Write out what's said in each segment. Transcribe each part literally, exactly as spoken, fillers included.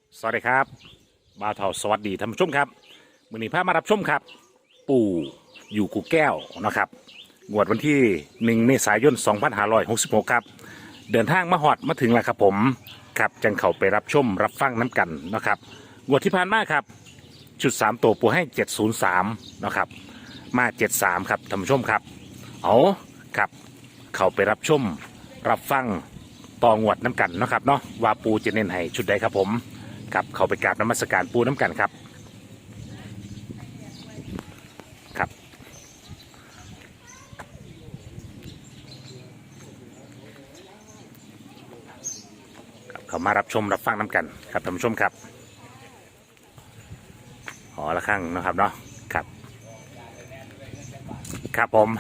สวัสดีครับบ่าวเฒ่าสวัสดีท่านผู้ชมครับมื้อนี้พามารับชมครับ ปู่อยู่กูแก้วนะครับงวดวันที่หนึ่งเมษายนสองพันห้าร้อยหกสิบหกครับเดินทางมาฮอดมาถึงแล้วครับผมครับจังเข้าไปรับชมรับฟังน้ำกันนะครับงวดที่ผ่านมาครับชุดสามตัวปู่ให้เจ็ดศูนย์สามนะครับมาเจ็ดสามครับท่านผู้ชมครับเอาครับเข้าไปรับชมรับฟังต่องวดน้ำกันนะครับเนาะว่าปูจะเน้นให้ชุดใดครับผมครับเข้าไปกราบนมัสการปูน้ำกันครับครับครับเข้ามารับชมรับฟังน้ำกันครับท่านผู้ชมครับหอละครั้งนะครับเนาะครับครับผม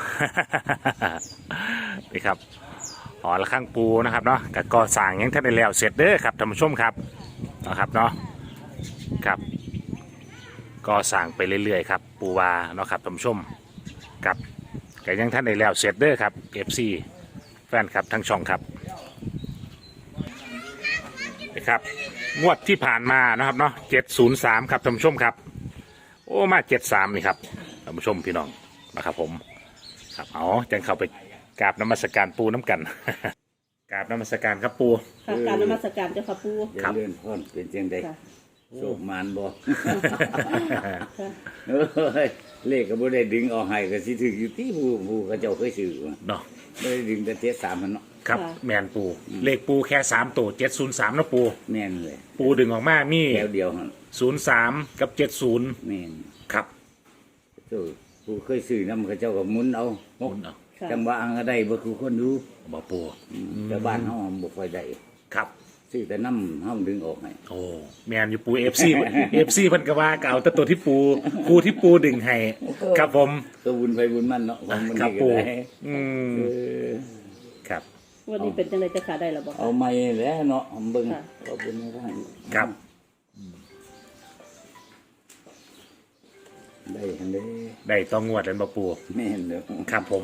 นี่ครับหอละครั้งปูนะครับเนาะกับก่อสร้างยังท่านได้แล้วเสร็จเด้อครับท่านผู้ชมครับนะครับเนาะครับก็สั่งไปเรื่อยๆครับปูวาเนาะครับท่านผู้ชมครับแต่ยังท่านได้แล้วเสร็จเด้อครับ เอฟ ซี แฟนครับทั้งช่องครับนะครับงวดที่ผ่านมานะครับเนาะเจ็ดศูนย์สามครับท่านผู้ชมครับโอ้มาเจ็ดสามนี่ครับท่านผู้ชมพี่น้องนะครับผมครับเอาจังเข้าไปกราบนมัสการปูน้ำกัน กราบนมัสการครับปูค่ะการนมัสการเจ้าค่ะปูครับเลื่อนพ่อนเป็นเจียงใดค่ะโศกมานบ่ค่ะเอ้ยเลขก็บ่ได้ดึงออกให้ก็สิถึกอยู่ที่ผู้ผู้เขาเจ้าเคยซื้อมาเนาะบ่ได้ดึงแต่เจ็ดสามมันเนาะครับแมนปูเลขปูแค่สามตัวเจ็ดศูนย์สามนะปูแม่นเลยปูดึงออกมามีแถวเดียวหั่นศูนย์สามกับเจ็ดศูนย์แม่นครับเจ้าผู้เคยซื้อนำเขาเจ้าก็หมุนเอาหมุนเอาค่ะจังว่าอังก็ได้บ่คือคนดูบ่ปูแต่บ้านเฮาบ่ค่อยได้ครับซื้อแต่น้ำเฮาดึงออกให้โอ้แมนอยู่ปูเอฟซีเอฟซีเพิ่นก็ว่าเก่าแต่ตัวที่ปูปูที่ปูดึงให้ครับผมก็บุญไปบุญมันเนาะของมันครับนี่ก็ปูได้อืมเออครับวันนี้เป็นจังไดจะขาได้หรอบอกเอาไม้แล้วเนาะเอาเบิ่งค่ะเอาบุญให้ได้ครับได้หั่นเด้ได้ต้องงวดแล้วบ่ปูแม่นเด้อครับผม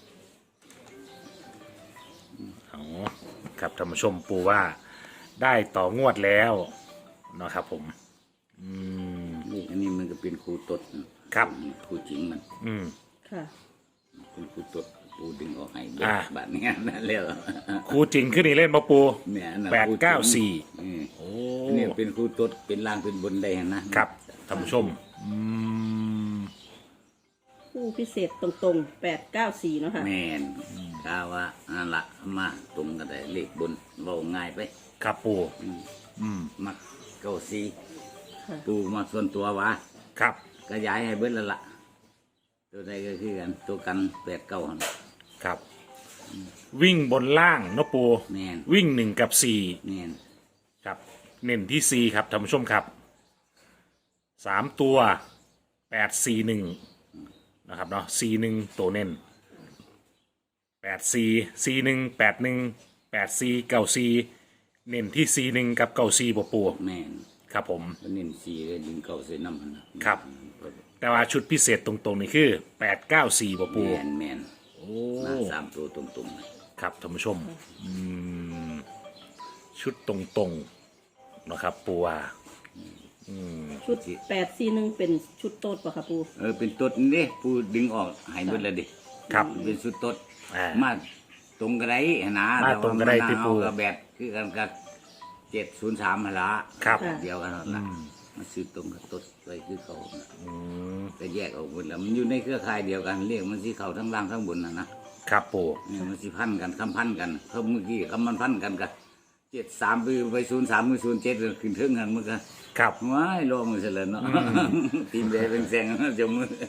เอาครับท่านผู้ชมปูว่าได้ต่องวดแล้วเนาะครับผมอืมนี่อันนี้มันก็เป็นครูตดนะครับ ครูจริงมันอืมค่ะเป็นครูตดปูดึงออกให้อ่าบาดนี้นั่นแล้วครูจริงขึ้นนี่เล่นบ่ปูเนี่ยอันนั้นแปดครูจริงเก้าสี่อืมโอ้อันนี้เป็นครูตดเป็นล่างเป็นบนได้นะครับท่านผู้ชมอืมผู้พิเศษตรงๆแปดเก้าสี่เนาะค่ะแม่นกาว่าอันละมาตรงกันได้เลขบนเว้าง่ายไปครับปูอืมอืมมักเก้าสี่ค่ะปูมาส่วนตัววะครับก็ย้ายให้เบิดแล้วล่ะตัวใดก็คือกันตัวกันแปดเก้าหั่นครับ วิ่งบนล่างเนาะปูแม่นวิ่งหนึ่งกับสี่แม่นครับ เน้นที่สี่ครับท่านผู้ชมครับสามตัวแปดสี่หนึ่งนะครับเนาะสี่หนึ่งตัวเน้นแปดสี่สี่หนึ่งแปดหนึ่งแปดสี่เก้าสี่เน้นที่สี่หนึ่งกับเก้าสี่ปูปูแม่นครับผมก็เน้นสี่เลยดึงเก้าใส่น้ำหั่นนะครับแต่ว่าชุดพิเศษตรงๆนี่คือแปดเก้าสี่ปูปูแม่นแม่นโอ้มาสามตัวตรงๆเลยครับท่านผู้ชมอืมชุดตรงๆนะครับปูว่าอืมชุดแปดสี่หนึ่งเป็นชุดโต๊ดป่ะค่ะปูเออเป็นตดนี่ผู้ดึงออกหายเบิดแล้วดิครับเป็นสุดตดอ่ามาตรงกระไดนะมาตรงกระไดที่ปู่แต่ว่ามันเอากับแบบคือกันกับเจ็ดศูนย์สามละครับเดียวกันนั่นละมาซื้อตรงกับตดไปคือเขาน่ะอืมแต่แยกออกหมดแล้วมันอยู่ในเครือข่ายเดียวกันเรียกมันสีเขาทั้งล่างทั้งบนนะนะครับปูเนี่ยมันสีพันกันคำพันกันเขาเมื่อกี้คำมันพันกันกับเจ็ดสามไปไปศูนย์สามไปศูนย์เจ็ดขึ้นเทิงกันมันก็ครับว้ายรอมือเสร็จแล้วเนาะตีนแดงเป็นแสงจมมือ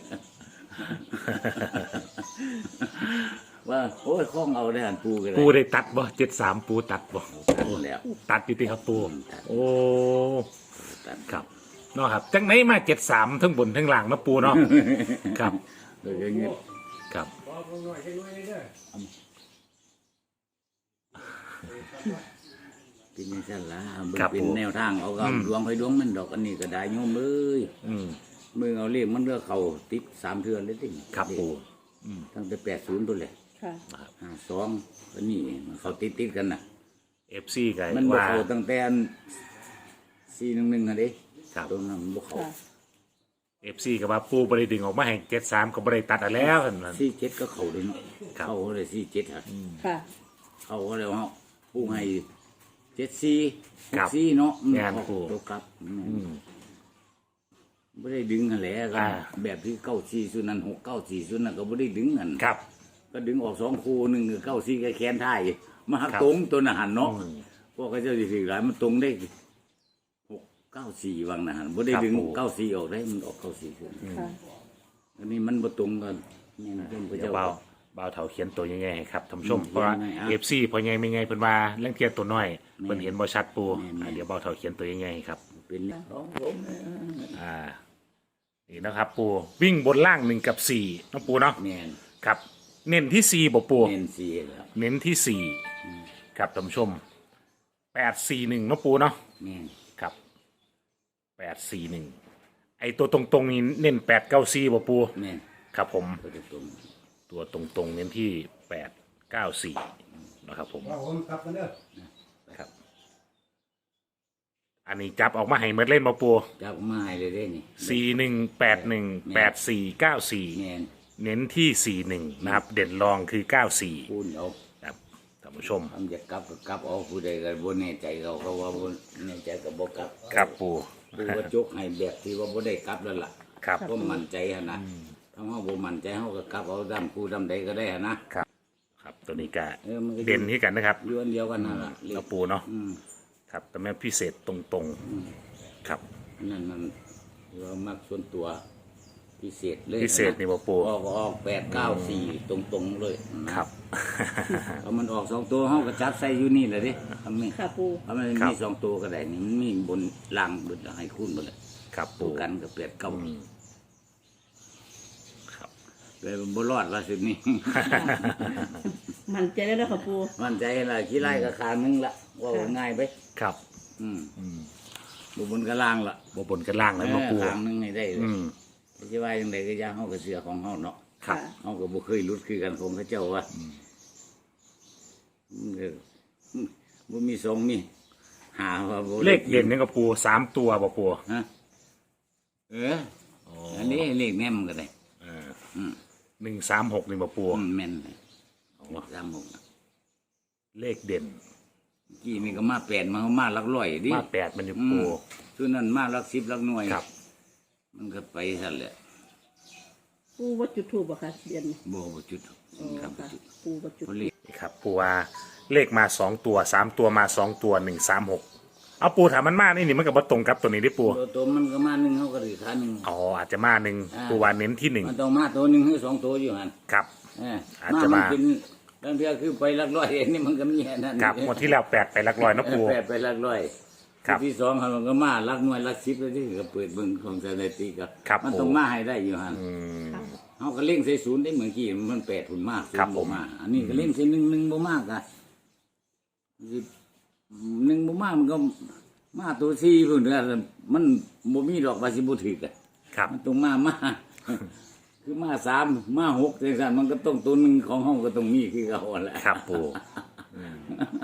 ว่าโอ้ยคล้องเอาได้หันปูกันเลยปูได้ตัดบ่เจ็ดสามปูตัดบ่ตัดแล้วตัดอยู่ที่ครับปูโอ้ตัดครับเนาะครับจังไหนมาเจ็ดสามทั้งบนทั้งล่างนะปูเนาะครับโดยอย่างเงี้ยครับเป็นยังไงล่ะมันเป็นแนวทางเอากับดวงไปดวงมันดอกอันนี้ก็ได้โยมเอ้ยอืมมือเอาเลขมันเลือกเขาติดสามเทือนเลยติครับปูตั้งแต่แปดศูนย์ตัวเลยค่ะห้าสองอันนี้มันเขาติดติดกันน่ะเอฟซีกันมันบอกว่าเขาตั้งแต่สี่หนึ่งหนึ่งอะดิครับตัวนั้นมันบ่เขาค่ะเอฟซีกับว่าปูบริดึงออกมาให้เจ็ดสามก็บริตัดเอาแล้วนั่นน่ะสี่เจ็ดก็เขาเลยเนาะครับเขาเลยสี่เจ็ดฮะค่ะเขาก็เลยว่าปูให้เจ็ดสี่หครักบสี่เนาะงานปูตัวกลับอืมไม่ได้ดึงกันแหละกัอ่านแบบที่เก้าสี่ส่วนนั้นหกเก้าสี่ส่วนนั้นก็ไม่ได้ดึงกันครับก็ดึงออกสองคู่หนึ่งคือเก้าสี่ก็แขนท้ายมาหักครับตรงตัวน่ะหันเนาะอืมพวกเขาเจ้าสิถือหลายมันตรงได้หกเก้าสี่วังน่ะหันไม่ได้ครับดึงผมเก้าสี่ออกได้มันออกเก้าสี่ส่วนค่ะอันนี้มันบ่ตรงกันนี่นะเพิ่นพระเดี๋ยวเจ้าเบาเบาเถาเขียนตัวยังไงให้ครับท่านผู้ชมอืมเพราะว่ายังไงอ่ะเอฟซีพอไงไม่ไงเพิ่นว่าเรื่องเทียนตัวน้อยแม่เพิ่นเห็นบ่ชัดปูแม่นอ่ะเดี๋ยวเบาเถาเขียนตัวยังไงครับเป็นของผมอ่านี่นะครับ ปูวิ่งบนล่างหนึ่งกับสี่น้องปูเนาะแม่นครับ เน้นที่สี่บ่ปูเน้นสี่แล้วเน้นที่สี่ครับท่านผู้ชมแปดสี่หนึ่งน้องปูเนาะแม่นครับแปดสี่หนึ่งไอตัวตรงๆนี้เน้นแปดเก้าสี่บ่ปูแม่นครับผมก็จะตรงตัวตรงๆเน้นที่แปดเก้าสี่นะครับผมว่าผมกลับกันเด้อครับ อันนี้จับออกมาให้เมดเล่นมาปูจับมาให้เลยเด้นี่สี่หนึ่งแปดหนึ่งแปดสี่เก้าสี่แม่นเน้นที่สี่หนึ่งนะครับ เด่นรองคือเก้าสี่พูดเอาครับท่านผู้ชมทำจะกลับก็กลับเอาผู้ใดก็บ่แน่ใจเขาเขาว่าบ่แน่ใจก็บ่กลับครับปูผู้ว่าจกให้แบบที่ว่าบ่ได้กลับแล้วล่ะครับก็มั่นใจหั่นนะถ้าเฮาบ่มั่นใจเฮาก็กลับเอาดำผู้ดำใดก็ได้หั่นนะครับครับตัวนี้ก็เออมันก็อยู่เด่นที่กันนะครับอยู่อันเดียวกันนั่นล่ะเลแล้วขปูเนาะอืมครับแต่แม่พิเศษตรงๆครับนั่นมันเรามักส่วนตัวพิเศษเลยพิเศษนี่บ่ปูออกออกแปดเก้าสี่ตรงตรงๆเลยนะครับ เอามันออกสองตัวห้องกระจับใส่อยู่นี่เลยดิทำนี่ค่ะปูเอามันครับมีสองตัวก็ได้นี่มันมีบนล่างบนให้คูณหมดเลยครับตัปูวกันกับแปดเก้าอืมครับเลยบนรอดว่าสินี่มันใจได้แล้วค่ะปูมั่นใจละขี้ไล่กับคางนึงละว่าค่ะง่ายไปครับอืมอืมบนบนกระล่างละบ่บนกันล่างแล้วมาปูคางนึงให้ได้เลยอืมไม่ใช่ว่าอย่างไรก็อยางเฮากับเสือของเฮาเนาะครับค่ะเฮาก็บ่เคยรุดคือกันของเขาเจ้าว่าเออบ่มีสองมีหาว่าบ่เลขเด่นนี่กับปูสามตัวบ่ปูฮะเอออันนี้เลขแม่มก็ได้เอออืมหนึ่งสามหกนี่บ่ปูอืมแม่นเลยสามหกน่ะเลขเด่นกี่นี่ก็มาแปดมามาหลักร้อยดิมาแปดมันอยู่อืปูมส่วนนั้นมาหลักสิบหลักหน่วยครับมันก็ไปสั่นแหละปูวัดจุดทูบอะค่ะเดือนนี้บ่บ่จุดอ๋อครับบ่ค่ะจุดปูวัดจุดเพราะเลขนี่ครับปูว่าเลขมาสองตัวสามตัวมาสองตัวหนึ่งสามหกเอาปูถามมันมานี่นี่มันกับว่าตรงกับตัวนี้ได้ปูตัวตัวมันก็มาหนึ่งเขาก็ถือขาหนึ่งอ๋ออาจจะมาหนึ่งอ่าปูว่าเน้นที่หนึ่งมันต้องมาตัวหนึ่งหรือสองตัวอยู่หันครับเอออาจจะมัมาเป็นบางเทีคือไปหลักร้อยอันนี้มันก็มีแค่นั้นครับหมดที่แล้วแปดไปหลักร้อยนะปูแปดไปหลักร้อยครับที่สองมันก็มาหลักหน่วยหลักสิบแล้วที่ก็เปิดเบิ่งของสถิติก็ครับมันผมต้องมาให้ได้อยู่หันอืมเขาก็เล่งใส่ศูนย์ได้เหมือนกี้มันแปดหุ่นมากศูนย์ครับผมมา อันนี้ก็เล่งใส่หนึ่งหนึ่งบ่มากอะสิหนึ่งบ่มากมันก็มาตัวสี่พุ่นเด้อมันบ่มีดอกบาสิบ่ถึกอะครับมันต้องมามา คือมาสามมาหกจังซั่นมันก็ต้องตัวหนึ่งของห้องก็ต้องมีคือเขาแหละครับปูอืม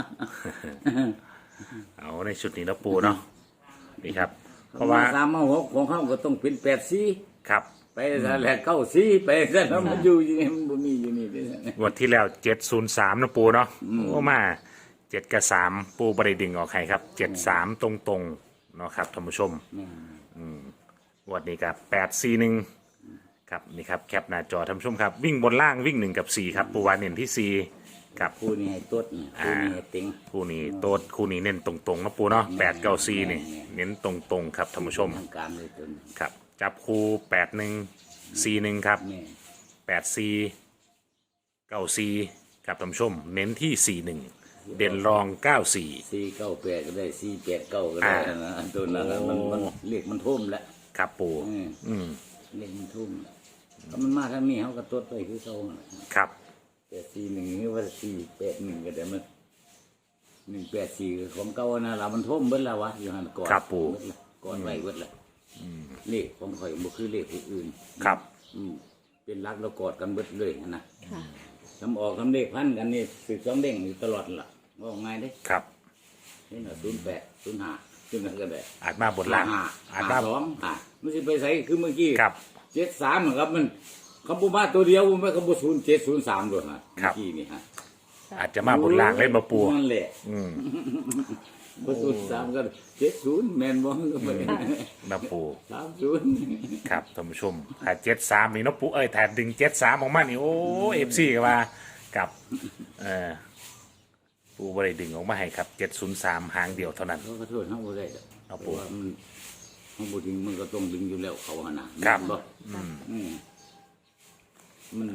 เอาในชุดนี้นะปูเนาะนี่ครับ เพราะว่าสามมาหกของเขาก็ต้องเป็นแปดสี่ครับไปซะแล้วเก้าสี่ไปซะแล้วมันอยู่อยู่นี่มันบ่มีอยู่นี่เด้อวันที่แล้วเจ็ดศูนย์สามนะปูเนาะโอ้มาเจ็ดกับสามปูบริดึงออกใครครับเจ็ดสามตรงตรงๆเนาะครับท่านผู้ชม อืมวันนี้กับแปดสี่หนึ่งครับนี่ครับแคปหน้าจอท่านผู้ชมครับ วิ่งบนล่างวิ่งหนึ่งกับสี่ครับปูวานเน้นที่สี่ครับคู่นี้ให้ตดนี่คู่นี้ให้ติงคู่นี้โต๊ดคู่นี้เน้นตรงตรงๆนะปูเนาะแปดเก้าสี่นี่เน้นตรงตรงๆครับท่านผู้ชมทางการเลยตัวนี้ครับ จับคู่แปดหนึ่งสี่หนึ่งครับแม่แปดสี่เก้าสี่ครับท่านผู้ชม เน้นที่สี่หนึ่งเด่นรองเก้าสี่สี่เก้าแปดก็ได้สี่แปดเก้าก็ได้อ่านะตัวนั้นน่ะมันมันเรียกมันทุ่มแล้วครับปูอืมอืมเรียกมันทุ่มถ้ามันมาทางนี้เขาก็ตดไปคือเขาน่ะครับแต่สี่หนึ่งหรือว่าสี่แปดหนึ่งก็ได้มันหนึ่งแปดสี่ของเก่านะเรามันทุ่มเบิดแล้ววะอยู่หันก่อนครับปู่เบิดละก่อนไว้เบิดละเลขของข่อยบ่คือเลขผู้อื่นครับอืมเป็นรักแล้วกอดกันเบิดเลยนะค่ะทำออกทำเลขพันกันนี่สืบสองเด้งอยู่ตลอดล่ะว่าง่ายเด้ครับนี่น่ะศูนย์แปดศูนย์ห้าขึ้นนั่นก็ได้อาจมาบนล่างห้าอาจห้ามาสองอ่ะมันสิไปใส่คือเมื่อกี้ครับเจ็ดสามเหมือนครับมันคำพูมาตัวเดียวมันคำพูศูนย์เจ็ดศูนย์สามด้วยฮะครับเมื่อกี้นี่ฮะอาจจะมาบนล่างเล่นมาปูนั่นแหละอืมพอศูนย์สามก็เจ็ดศูนย์แมนบอลก็ไปมาปูสามศูนย์ครับท่านผู้ชมถ้าเจ็ดสามนี่เนาะปูเอ้ยถ้าดึงเจ็ดสามออกมานี่โอ้เอฟซีก็ว่ากับเออปูบริดึงออกมาให้ครับเจ็ดศูนย์สามหางเดียวเท่านั้นเขาก็โทษเขาบ่ได้เอาเพปู่ราะว่ามันเขาบ่ดึงมันก็ต้องดึงอยู่แล้วเขาหนนะครับ บ่อืมมัน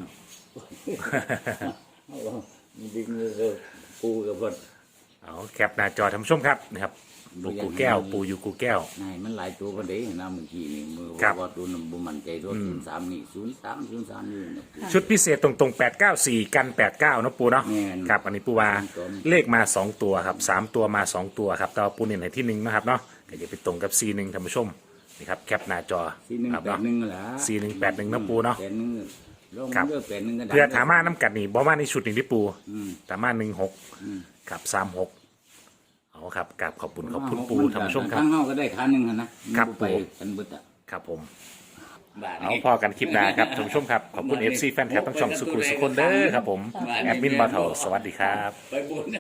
เอาว่ามันดึงเลยปูกับเพิ่นเอาแคปหน้าจอท่านผู้ชมครับนะครับปูกูแก้ว ปูอยู่กูแก้วนายมันหลายตัวปานใดนะเมื่อกี้นี่มือครับว่าตัวนั้นบ่มั่นใจตัวศูนย์สามนี่ศูนย์สาม ศูนย์สามนี่นะชุดพิเศษตรงๆแปดเก้าสี่กันแปดเก้านาะปูเนาะแม่นครับอันนี้ปูว่าตรงเลขมาสองตัวครับสามตัวมาสองตัวครับแต่ว่าปูเน้นให้ที่หนึ่งนะครับเนาะก็จะไปตรงกับซีหนึ่งท่านผู้ชมนี่ครับแคปหน้าจอสี่หนึ่งครับแปดเนาะหนึ่งแหละสี่หนึ่งแปดหนึ่งนะปูเนาะแปดหนึ่งลงครับเลือกแปดหนึ่งก็ได้เพื่อถามาน้ำกัดนี่บ่มาในชุดนี้ที่ปูอืมถามาหนึ่งหกอืมกับสามหกเอาครับกราบขอบคุณขอบคุณปูท่านผู้ชมครับทั้งเฮาก็ได้คันหนึงหั่นนะครับ ไปปู่กันเบิดอ่ะครับผมบาทเอานี้พอกันคลิปหน้าครับท่านผู้ชมครับ ขอบคุณ เอฟ ซี แฟนคลับทั้งช่องสุขุมสุขคนเด้อครับผม แอดมินบาเทาสวัสดีครับไปบุญ